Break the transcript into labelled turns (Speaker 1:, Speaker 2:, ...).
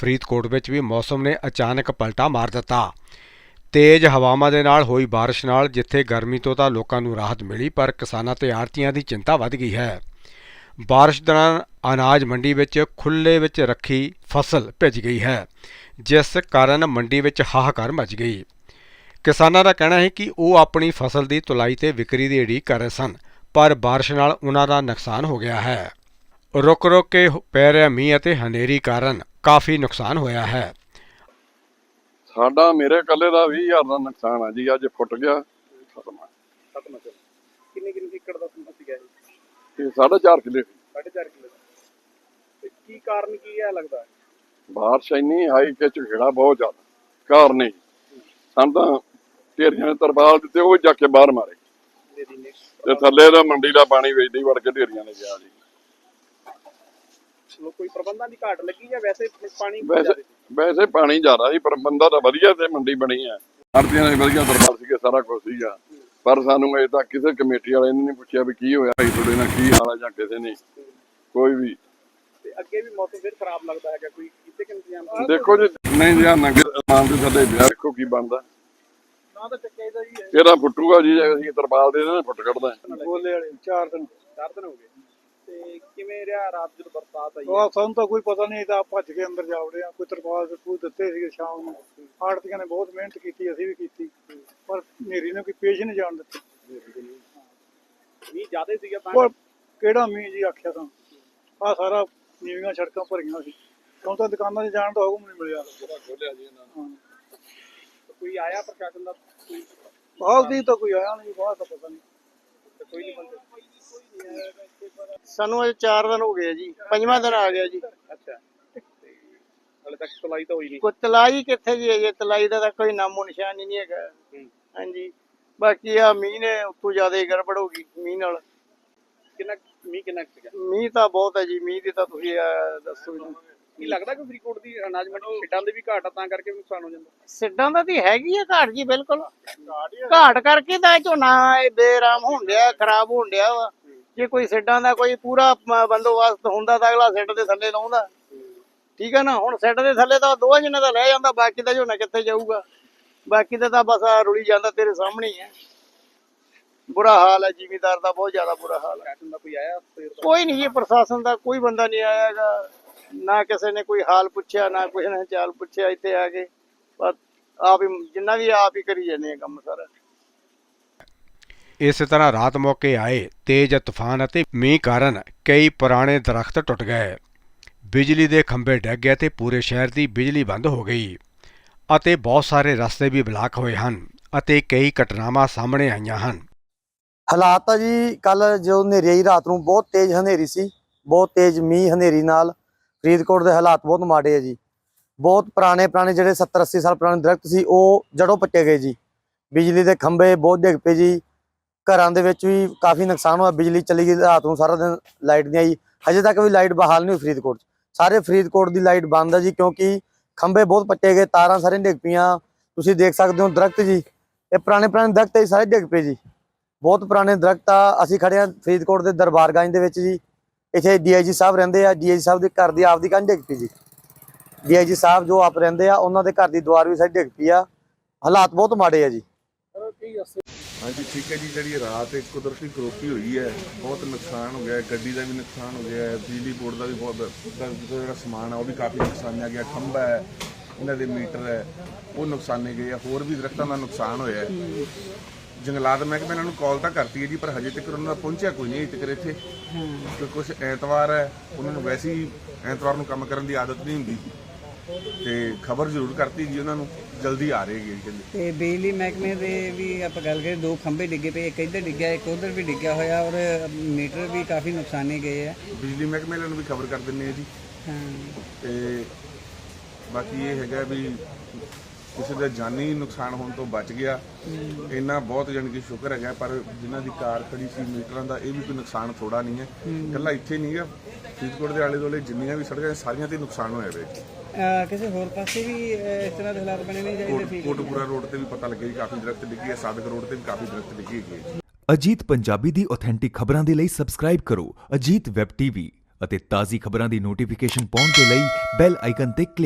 Speaker 1: ਫਰੀਦਕੋਟ ਵਿੱਚ ਵੀ ਮੌਸਮ ਨੇ ਅਚਾਨਕ ਪਲਟਾ ਮਾਰ ਦਿੱਤਾ। ਤੇਜ਼ ਹਵਾਵਾਂ ਦੇ ਨਾਲ ਹੋਈ ਬਾਰਿਸ਼ ਨਾਲ ਜਿੱਥੇ ਗਰਮੀ ਤੋਂ ਤਾਂ ਲੋਕਾਂ ਨੂੰ ਰਾਹਤ ਮਿਲੀ, ਪਰ ਕਿਸਾਨਾਂ ਤੇ ਆੜ੍ਹਤੀਆਂ ਦੀ ਚਿੰਤਾ ਵੱਧ ਗਈ ਹੈ। ਬਾਰਿਸ਼ ਦੌਰਾਨ ਅਨਾਜ ਮੰਡੀ ਵਿੱਚ ਖੁੱਲ੍ਹੇ ਵਿੱਚ ਰੱਖੀ ਫਸਲ ਭਿੱਜ ਗਈ ਹੈ, ਜਿਸ ਕਾਰਨ ਮੰਡੀ ਵਿੱਚ ਹਾਹਾਕਾਰ ਮਚ ਗਈ। ਕਿਸਾਨਾਂ ਦਾ ਕਹਿਣਾ ਹੈ ਕਿ ਉਹ ਆਪਣੀ ਫਸਲ ਦੀ ਤੁਲਾਈ ਤੇ ਵਿਕਰੀ ਦੀ ਉਡੀਕ ਕਰ ਰਹੇ ਸਨ, ਪਰ ਬਾਰਿਸ਼ ਨਾਲ ਉਹਨਾਂ ਦਾ ਨੁਕਸਾਨ ਹੋ ਗਿਆ ਹੈ। ਰੁਕ ਰੁਕ ਕੇ ਪੈ ਰਿਹਾ ਮੀਂਹ ਅਤੇ ਹਨੇਰੀ ਕਾਰਨ ਕਾਫੀ ਨੁਕਸਾਨ ਹੋਇਆ ਹੈ।
Speaker 2: ਸਾਡਾ ਮੇਰੇ ਇਕੱਲੇ ਦਾ 20,000 ਦਾ ਨੁਕਸਾਨ ਆ ਜੀ। ਅੱਜ ਫੁੱਟ ਗਿਆ ਖਤਮ।
Speaker 3: ਕਿੰਨੇ ਏਕੜ ਦਾ ਸੀਗਾ
Speaker 2: ਇਹ 4.5 ਕਿੱਲੇ
Speaker 3: 4.5 ਕਿੱਲੇ ਦਾ। ਤੇ ਕੀ ਕਾਰਨ ਕੀ ਹੈ ਲੱਗਦਾ ਹੈ?
Speaker 2: ਬਾਰਿਸ਼ ਇੰਨੀ ਆਈ ਕਿ ਝਗੜਾ ਬਹੁਤ ਜ਼ਿਆਦਾ ਕਾਰਨ ਨਹੀਂ। ਸਾਨੂੰ ਤਾਂ ਢੇਰੀਆਂ ਨੇ ਤਰਪਾਲ ਦਿੱਤੇ, ਉਹ ਜਾ ਕੇ ਬਾਹਰ ਮਾਰੇ ਤੇ ਥੱਲੇ ਦਾ ਮੰਡੀ ਦਾ ਪਾਣੀ ਵੇਚਦੀ ਵੜ ਕੇ ਢੇਰੀਆਂ ਨੇ ਗਿਆ ਜੀ।
Speaker 3: ਕੋਈ ਪ੍ਰਬੰਧਾਂ ਦੀ ਘਾਟ ਲੱਗੀ ਜਾਂ ਵੈਸੇ ਪਾਣੀ?
Speaker 2: ਵੈਸੇ ਪਾਣੀ ਜ਼ਿਆਦਾ ਸੀ, ਪ੍ਰਬੰਧਾਂ ਤਾਂ ਵਧੀਆ ਤੇ ਮੰਡੀ ਬਣੀ ਹੈ। ਆੜ੍ਹਤੀਆਂ ਨੇ ਵਧੀਆ ਦਰਬਾਰ ਸੀਗੇ, ਸਾਰਾ ਕੁਝ ਸੀਗਾ, ਪਰ ਸਾਨੂੰ ਅਜੇ ਤੱਕ ਕਿਸੇ ਕਮੇਟੀ ਵਾਲੇ ਨੇ ਨਹੀਂ ਪੁੱਛਿਆ ਵੀ ਕੀ ਹੋਇਆ, ਭਾਈ ਤੁਹਾਡੇ ਨਾਲ ਕੀ ਹਾਲ ਹੈ, ਜਾਂ ਕਿਸੇ ਨੇ ਕੋਈ ਵੀ।
Speaker 3: ਤੇ ਅੱਗੇ ਵੀ ਮੌਸਮ ਫਿਰ ਖਰਾਬ ਲੱਗਦਾ ਹੈਗਾ, ਕੋਈ ਕਿਤੇ ਕਿ ਇੰਤਜ਼ਾਮ?
Speaker 2: ਦੇਖੋ ਜੀ, ਨਹੀਂ ਜੀ ਨੰਗੇ ਮਾਨ ਦੇ ਥੱਲੇ ਵਿਆਹ ਦੇਖੋ ਕੀ ਬਣਦਾ।
Speaker 3: ਨਾ ਤਾਂ ਚੱਕਿਆ ਜੀ
Speaker 2: ਇਹਦਾ ਫੁੱਟੂਗਾ ਜੀ, ਅਸੀਂ ਤਰਪਾਲ ਦੇ ਦੇਣਾ ਫੁੱਟ ਕੱਢਦਾ।
Speaker 3: ਬੋਲੇ ਵਾਲੇ 4 ਦਿਨ ਹੋ ਗਏ। ਤੇ ਕਿਵੇਂ ਰਿਹਾ ਰਾਤ ਜਦੋਂ ਬਰਸਾਤ ਆਈ?
Speaker 4: ਸਾਨੂੰ ਤਾਂ ਕੋਈ ਪਤਾ ਨਹੀਂ, ਤਾਂ ਭੱਜ ਕੇ ਅੰਦਰ ਜਾ ਵੜੇ ਆ। ਕੋਈ ਤਰਪਾਲ ਕੋਈ ਦਿੱਤੇ ਸੀਗੇ ਸ਼ਾਮ ਨੂੰ। ਆੜ੍ਹਤੀਆਂ ਨੇ ਬਹੁਤ ਮਿਹਨਤ ਕੀਤੀ, ਅਸੀਂ ਵੀ ਕੀਤੀ, ਪਰ ਹਨੇਰੀ ਨੇ ਕੋਈ ਪੇਸ਼ ਨਹੀਂ ਜਾਣ ਦਿੱਤੀ।
Speaker 3: ਮੀਂਹ ਜ਼ਿਆਦਾ ਸੀਗਾ
Speaker 4: ਪਰ ਕਿਹੜਾ ਮੀਂਹ ਜੀ ਆਖਿਆ ਤਾਂ ਆਹ ਸਾਰਾ ਨੀਵੀਆਂ ਸੜਕਾਂ ਭਰੀਆਂ ਸੀ। ਹੁਣ ਤਾਂ ਦੁਕਾਨਾਂ 'ਚ ਜਾਣ ਦਾ ਹੁਕਮ ਨਹੀਂ ਮਿਲਿਆ।
Speaker 3: ਕੋਈ ਆਇਆ ਪ੍ਰਸ਼ਾਸਨ ਦਾ?
Speaker 4: ਬਾਹਰ ਦੀ ਤਾਂ ਕੋਈ ਆਇਆ ਨਹੀਂ, ਬਾਹਰ ਤਾਂ ਪਤਾ ਨਹੀਂ।
Speaker 3: ਕੋਈ ਨਹੀਂ ਬੰਦੇ?
Speaker 4: ਸਾਨੂੰ ਅਜੇ 4 ਦਿਨ ਹੋ ਗਏ ਜੀ, 5ਵਾਂ ਦਿਨ ਆ ਗਿਆ ਜੀ।
Speaker 3: ਅੱਛਾ, ਹਾਲੇ ਤੱਕ ਤੁਲਾਈ ਤਾਂ ਹੋਈ ਨਹੀਂ?
Speaker 4: ਕੋਈ ਤਲਾਈ ਕਿੱਥੇ ਜੀ, ਅਜੇ ਤਲਾਈ ਦਾ ਤਾਂ ਕੋਈ ਨਾਮੋ ਨਿਸ਼ਾਨ ਹੀ ਨਹੀਂ ਹੈਗਾ। ਹਾਂਜੀ, ਬਾਕੀ ਆ ਮੀਂਹ ਨੇ ਉੱਤੋਂ ਜ਼ਿਆਦਾ ਹੀ ਗੜਬੜ ਹੋ ਗਈ ਮੀਂਹ ਨਾਲ।
Speaker 3: ਕਿੰਨਾ ਸੀਗਾ
Speaker 4: ਮੀਂਹ? ਤਾਂ ਬਹੁਤ ਹੈ ਜੀ ਮੀਂਹ ਦੀ, ਤਾਂ ਤੁਸੀਂ ਦੱਸੋ ਜੀ।
Speaker 3: ਕੀ ਲੱਗਦਾ ਕਿ ਫਰੀਦਕੋਟ ਦੀ ਅਨਾਜ ਮੰਡੀ ਸਿੱਟਾਂ ਦੇ ਵੀ ਘਾਟ ਆ, ਤਾਂ ਕਰਕੇ ਵੀ ਨੁਕਸਾਨ ਹੋ ਜਾਂਦਾ?
Speaker 4: ਸਿੱਡਾਂ ਦਾ ਤਾਂ ਹੈਗੀ ਆ ਘਾਟ ਜੀ, ਬਿਲਕੁਲ ਘਾਟ ਕਰਕੇ ਤਾਂ ਝੋਨਾ ਬੇਰਾਮ ਹੋਣ ਡਿਆ, ਖਰਾਬ ਹੋਣ ਡਿਆ ਵਾ। ਜੇ ਕੋਈ ਸਿੱਡਾਂ ਦਾ ਕੋਈ ਪੂਰਾ ਬੰਦੋਬਸਤ ਹੁੰਦਾ ਤਾਂ ਅਗਲਾ ਸਿੱਡ ਦੇ ਥੱਲੇ ਲਾਉਂਦਾ, ਠੀਕ ਹੈ ਨਾ। ਹੁਣ ਸਿੱਡ ਦੇ ਥੱਲੇ ਤਾਂ 2 ਜਣੇ ਦਾ ਲੈ ਜਾਂਦਾ, ਬਾਕੀ ਦਾ ਝੋਨਾ ਕਿੱਥੇ ਜਾਊਗਾ? ਬਾਕੀ ਦਾ ਤਾਂ ਬਸ ਰੁਲੀ ਜਾਂਦਾ, ਤੇਰੇ ਸਾਹਮਣੇ ਹੀ ਹੈ। ਬੁਰਾ ਹਾਲ ਹੈ ਜ਼ਿਮੀਂਦਾਰ ਦਾ, ਬਹੁਤ ਜ਼ਿਆਦਾ ਬੁਰਾ ਹਾਲ ਹੈ।
Speaker 3: ਪ੍ਰਸ਼ਾਸਨ ਦਾ ਕੋਈ ਆਇਆ?
Speaker 4: ਕੋਈ ਨਹੀਂ ਜੀ, ਪ੍ਰਸ਼ਾਸਨ ਦਾ ਕੋਈ ਬੰਦਾ ਨਹੀਂ ਆਇਆ ਹੈਗਾ, ਨਾ ਕਿਸੇ ਨੇ ਕੋਈ ਹਾਲ ਪੁੱਛਿਆ, ਨਾ ਕਿਸੇ ਨੇ ਚਾਲ ਪੁੱਛਿਆ। ਇੱਥੇ ਆ ਕੇ ਬਸ ਆਪ ਹੀ ਜਿੰਨਾ ਵੀ ਆਪ ਹੀ ਕਰੀ ਜਾਂਦੇ ਆ ਕੰਮ ਸਾਰਾ।
Speaker 1: ਇਸੇ ਤਰ੍ਹਾਂ ਰਾਤ ਮੌਕੇ ਆਏ ਤੇਜ਼ ਤੂਫਾਨ ਅਤੇ ਮੀਂਹ ਕਾਰਨ ਕਈ ਪੁਰਾਣੇ ਦਰਖਤ ਟੁੱਟ ਗਏ, ਬਿਜਲੀ ਦੇ ਖੰਭੇ ਡਿੱਗ ਗਏ ਤੇ ਪੂਰੇ ਸ਼ਹਿਰ ਦੀ ਬਿਜਲੀ ਬੰਦ ਹੋ ਗਈ ਅਤੇ ਬਹੁਤ ਸਾਰੇ ਰਸਤੇ ਵੀ ਬਲਾਕ ਹੋਏ ਹਨ ਅਤੇ ਕਈ ਘਟਨਾਵਾਂ ਸਾਹਮਣੇ ਆਈਆਂ ਹਨ।
Speaker 5: ਹਾਲਾਤ ਆ ਜੀ, ਕੱਲ ਜੋ ਹਨੇਰੀ ਆਈ ਰਾਤ ਨੂੰ, ਬਹੁਤ ਤੇਜ਼ ਹਨੇਰੀ ਸੀ, ਬਹੁਤ ਤੇਜ਼ ਮੀਂਹ ਹਨੇਰੀ ਨਾਲ ਫਰੀਦਕੋਟ ਦੇ ਹਾਲਾਤ ਬਹੁਤ ਮਾੜੇ ਆ ਜੀ। ਬਹੁਤ ਪੁਰਾਣੇ ਜਿਹੜੇ 70-80 ਸਾਲ ਪੁਰਾਣੇ ਦਰਖਤ ਸੀ, ਉਹ ਜੜੋਂ ਪੱਟੇ ਗਏ ਜੀ। ਬਿਜਲੀ ਦੇ ਖੰਭੇ ਬਹੁਤ ਡਿੱਗ ਪਏ ਜੀ। ਘਰਾਂ ਦੇ ਵਿੱਚ ਵੀ ਕਾਫੀ ਨੁਕਸਾਨ ਹੋਇਆ, ਬਿਜਲੀ ਚਲੀ ਗਈ ਰਾਤ ਨੂੰ, ਸਾਰਾ ਦਿਨ ਲਾਈਟ ਨਹੀਂ ਆਈ। ਹਜੇ ਤੱਕ ਵੀ ਲਾਈਟ ਬਹਾਲ ਨਹੀਂ ਹੋਈ ਫਰੀਦਕੋਟ 'ਚ। ਸਾਰੇ ਫਰੀਦਕੋਟ ਦੀ ਲਾਈਟ ਬੰਦ ਹੈ ਜੀ, ਕਿਉਂਕਿ ਖੰਭੇ ਬਹੁਤ ਪੱਟੇ ਗਏ, ਤਾਰਾਂ ਸਾਰੀਆਂ ਡਿੱਗ ਪਈਆਂ। ਤੁਸੀਂ ਦੇਖ ਸਕਦੇ ਹੋ ਦਰਖਤ ਜੀ, ਇਹ ਪੁਰਾਣੇ ਦਰਖਤ ਹੈ, ਸਾਰੇ ਡਿੱਗ ਪਏ ਜੀ। ਬਹੁਤ ਪੁਰਾਣੇ ਦਰਖਤ ਆ। ਅਸੀਂ ਖੜੇ ਹਾਂ ਫਰੀਦਕੋਟ ਦੇ ਦਰਬਾਰਗੰਜ ਦੇ ਵਿੱਚ ਜੀ। ਇੱਥੇ DIG ਸਾਹਿਬ ਰਹਿੰਦੇ ਆ, DIG ਸਾਹਿਬ ਦੇ ਘਰ ਦੀ ਆਪਦੀ ਕੰਧ ਡਿੱਗ ਪਈ ਜੀ। DIG ਸਾਹਿਬ ਜੋ ਆਪ ਰਹਿੰਦੇ ਆ, ਉਹਨਾਂ ਦੇ ਘਰ ਦੀ ਦੀਵਾਰ ਵੀ ਸਾਰੀ ਡਿੱਗ ਪਈ ਆ। ਹਾਲਾਤ ਬਹੁਤ ਮਾੜੇ ਆ ਜੀ।
Speaker 6: ਹਾਂਜੀ ਠੀਕ ਹੈ ਜੀ। ਜਿਹੜੀ ਰਾਤ ਇੱਕ ਕੁਦਰਤੀ ਕਰੋਪੀ ਹੋਈ ਹੈ, ਬਹੁਤ ਨੁਕਸਾਨ ਹੋ ਗਿਆ। ਗੱਡੀ ਦਾ ਵੀ ਨੁਕਸਾਨ ਹੋ ਗਿਆ, ਬਿਜਲੀ ਬੋਰਡ ਦਾ ਵੀ ਬਹੁਤ, ਜਿਹੜਾ ਸਮਾਨ ਆ ਉਹ ਵੀ ਕਾਫੀ ਨੁਕਸਾਨਿਆ ਗਿਆ। ਖੰਭਾ ਹੈ, ਇਹਨਾਂ ਦੇ ਮੀਟਰ ਹੈ, ਉਹ ਨੁਕਸਾਨੇ ਗਏ ਆ। ਹੋਰ ਵੀ ਦਰਖਤਾਂ ਦਾ ਨੁਕਸਾਨ ਹੋਇਆ। ਜੰਗਲਾਤ ਮਹਿਕਮੇ ਇਹਨਾਂ ਨੂੰ ਕਾਲ ਤਾਂ ਕਰਤੀ ਹੈ ਜੀ, ਪਰ ਹਜੇ ਤੱਕ ਉਹਨਾਂ ਦਾ ਪਹੁੰਚਿਆ ਕੋਈ ਨਹੀਂ ਅਜੇ ਤੱਕ ਇੱਥੇ। ਕਿਉਂਕਿ ਕੁਛ ਐਤਵਾਰ ਹੈ, ਉਹਨਾਂ ਨੂੰ ਵੈਸੇ ਹੀ ਐਤਵਾਰ ਨੂੰ ਕੰਮ ਕਰਨ ਦੀ ਆਦਤ ਨਹੀਂ ਹੁੰਦੀ, ਤੇ ਖਬਰ ਜ਼ਰੂਰ ਕਰਤੀ ਜੀ ਉਹਨਾਂ ਨੂੰ, ਜਲਦੀ ਆ ਰਹੇ ਜੀ ਕਹਿੰਦੇ।
Speaker 7: ਤੇ ਬਿਜਲੀ ਮਹਿਕਮੇ ਦੇ ਵੀ ਆਪਾਂ ਗੱਲ ਕਰੀਏ, 2 ਖੰਭੇ ਡਿੱਗੇ ਪਏ, ਇੱਕ ਇੱਧਰ ਡਿੱਗਿਆ, ਇੱਕ ਉੱਧਰ ਵੀ ਡਿੱਗਿਆ ਹੋਇਆ, ਔਰ ਮੀਟਰ ਵੀ ਕਾਫੀ ਨੁਕਸਾਨੇ ਗਏ ਆ।
Speaker 6: ਬਿਜਲੀ ਮਹਿਕਮੇ ਵਾਲਿਆਂ ਨੂੰ ਵੀ ਖਬਰ ਕਰ ਦਿੰਦੇ ਆ ਜੀ। ਤੇ ਬਾਕੀ ਇਹ ਹੈਗਾ ਵੀ ਕਿਸੇ ਦਾ ਜਾਨੀ ਨੁਕਸਾਨ ਹੋਣ ਤੋਂ ਬਚ ਗਿਆ, ਇੰਨਾ ਬਹੁਤ ਜਾਣੀ ਕਿ ਸ਼ੁਕਰ ਹੈਗਾ। ਪਰ ਜਿਨ੍ਹਾਂ ਦੀ ਕਾਰ ਖੜੀ ਸੀ ਮੀਟਰਾਂ ਦਾ, ਇਹ ਵੀ ਕੋਈ ਨੁਕਸਾਨ ਥੋੜਾ ਨਹੀਂ ਹੈ। ਇਕੱਲਾ ਇੱਥੇ ਨਹੀਂ ਹੈ, ਫਰੀਦਕੋਟ ਦੇ ਆਲੇ ਦੁਆਲੇ ਜਿੰਨੀਆਂ ਵੀ ਸੜਕਾਂ ਸਾਰੀਆਂ ਤੇ ਨੁਕਸਾਨ ਹੋਇਆ ਵੇ।
Speaker 7: ਕਿਸੇ ਹੋਰ ਪਾਸੇ ਵੀ ਇਸ ਤਰ੍ਹਾਂ ਦੇ ਹਾਲਾਤ ਬਣੇ ਨਹੀਂ ਚਾਹੀਦੇ?
Speaker 6: ਕੋਟਪੂਰਾ ਰੋਡ ਤੇ ਵੀ ਪਤਾ ਲੱਗਿਆ ਜੀ, ਕਾਫੀ ਦਰਖਤ ਡਿੱਗੇ ਹੈ। ਸਾਦਕ ਰੋਡ ਤੇ ਵੀ ਕਾਫੀ ਦਰਖਤ ਡਿੱਗੇ ਹੈਗੇ।
Speaker 8: ਅਜੀਤ ਪੰਜਾਬੀ ਦੀ ਆਥੈਂਟਿਕ ਖਬਰਾਂ ਦੇ ਲਈ ਸਬਸਕ੍ਰਾਈਬ ਕਰੋ ਅਜੀਤ ਵੈਬ TV ਅਤੇ ਤਾਜ਼ੀ ਖਬਰਾਂ ਦੀ ਨੋਟੀਫਿਕੇਸ਼ਨ ਪਾਉਣ ਦੇ ਲਈ ਬੈਲ ਆਈਕਨ ਤੇ ਕਲਿੱਕ